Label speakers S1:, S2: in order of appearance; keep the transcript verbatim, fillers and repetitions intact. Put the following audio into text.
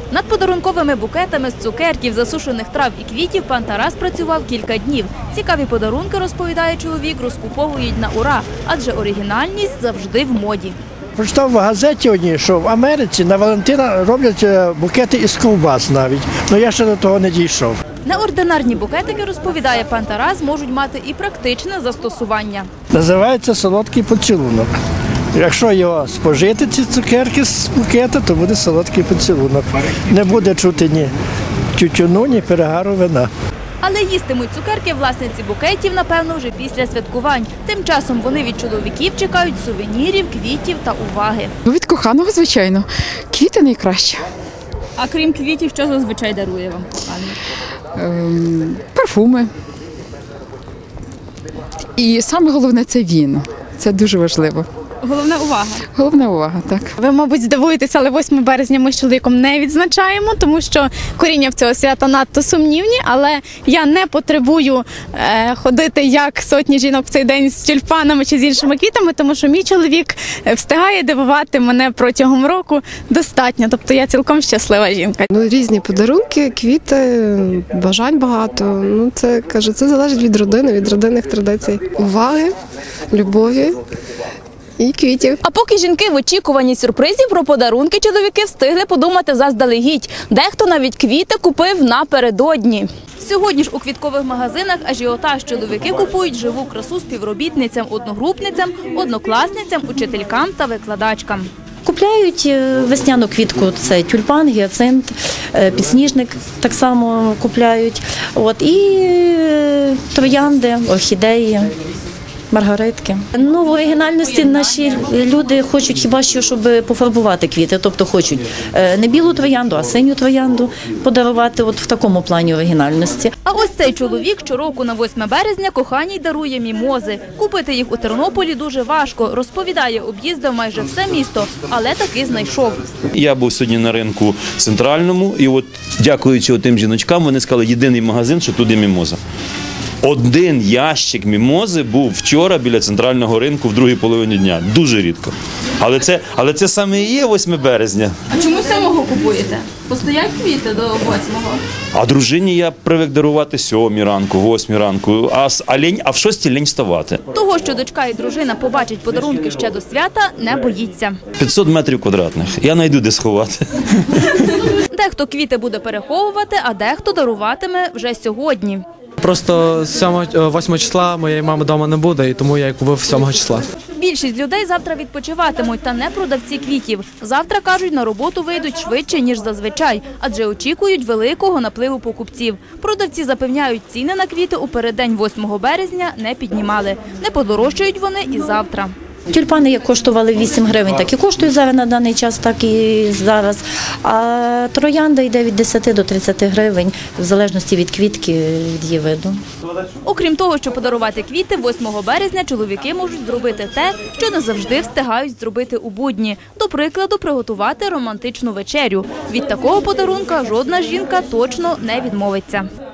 S1: Над подарунковими букетами з цукерків, засушених трав і квітів пан Тарас працював кілька днів. Цікаві подарунки, розповідає чоловік, розкуповують на ура, адже оригінальність завжди в моді.
S2: Прочитав в газеті одній, що в Америці на Валентина роблять букети із ковбас навіть, але я ще до того не дійшов.
S1: Неординарні букетики, розповідає пан Тарас, можуть мати і практичне застосування.
S2: Називається солодкий поцілунок. Якщо його спожити, ці цукерки з букета, то буде солодкий поцілунок. Не буде чути ні тютюну, ні перегару вина.
S1: Але їстимуть цукерки власниці букетів, напевно, вже після святкувань. Тим часом вони від чоловіків чекають сувенірів, квітів та уваги.
S3: Від коханого, звичайно. Квіти найкраще.
S1: А крім квітів, що зазвичай дарує вам коханий?
S3: Ем, парфуми. І саме головне – це він. Це дуже важливо.
S1: Головна увага.
S3: Головна увага, так.
S4: Ви, мабуть, здивуєтеся, але восьмого березня ми з чоловіком не відзначаємо, тому що коріння в цього свята надто сумнівні, але я не потребую е, ходити як сотні жінок в цей день з тюльпанами чи з іншими квітами, тому що мій чоловік встигає дивувати мене протягом року достатньо, тобто я цілком щаслива жінка.
S5: Ну, різні подарунки, квіти, бажань багато. Ну, це, кажу, це залежить від родини, від родинних традицій. Уваги, любові і квітів.
S1: А поки жінки в очікуванні сюрпризів про подарунки, чоловіки встигли подумати заздалегідь. Дехто навіть квіти купив напередодні. Сьогодні ж у квіткових магазинах ажіотаж. Чоловіки купують живу красу співробітницям, одногрупницям, однокласницям, учителькам та викладачкам.
S6: Купляють весняну квітку, це тюльпан, гіацинт, підсніжник так само купляють. От, і троянди, орхідеї. Маргаритки. Ну, в оригінальності наші люди хочуть хіба що, щоб пофарбувати квіти, тобто хочуть не білу троянду, а синю троянду подарувати от в такому плані оригінальності.
S1: А ось цей чоловік щороку на восьме березня коханій дарує мімози. Купити їх у Тернополі дуже важко, розповідає, об'їздив майже все місто, але таки знайшов.
S7: Я був сьогодні на ринку центральному і от, дякуючи тим жіночкам, вони сказали, єдиний магазин, що туди мімоза. Один ящик мімози був вчора біля центрального ринку в другій половині дня. Дуже рідко. Але це, але це саме і є восьме березня.
S1: А чому сьомого купуєте? Постоять квіти до восьмого?
S7: А дружині я привик дарувати сьомій ранку, восьмій ранку, а, а, лінь, а в шостій лінь вставати.
S1: Того, що дочка і дружина побачать подарунки ще до свята, не боїться.
S7: п'ятсот метрів квадратних. Я знайду де сховати.
S1: Дехто квіти буде переховувати, а дехто даруватиме вже сьогодні.
S8: Просто восьмого числа моєї мами вдома не буде, і тому я її купив сьомого числа.
S1: Більшість людей завтра відпочиватимуть, та не продавці квітів. Завтра, кажуть, на роботу вийдуть швидше, ніж зазвичай, адже очікують великого напливу покупців. Продавці запевняють, ціни на квіти у переддень восьмого березня не піднімали. Не подорожчають вони і завтра.
S6: Тюльпани як коштували вісім гривень, так і коштують зараз на даний час, так і зараз. А троянда йде від десяти до тридцяти гривень, в залежності від квітки, від її виду.
S1: Окрім того, що подарувати квіти, восьмого березня чоловіки можуть зробити те, що не завжди встигають зробити у будні. До прикладу, приготувати романтичну вечерю. Від такого подарунка жодна жінка точно не відмовиться.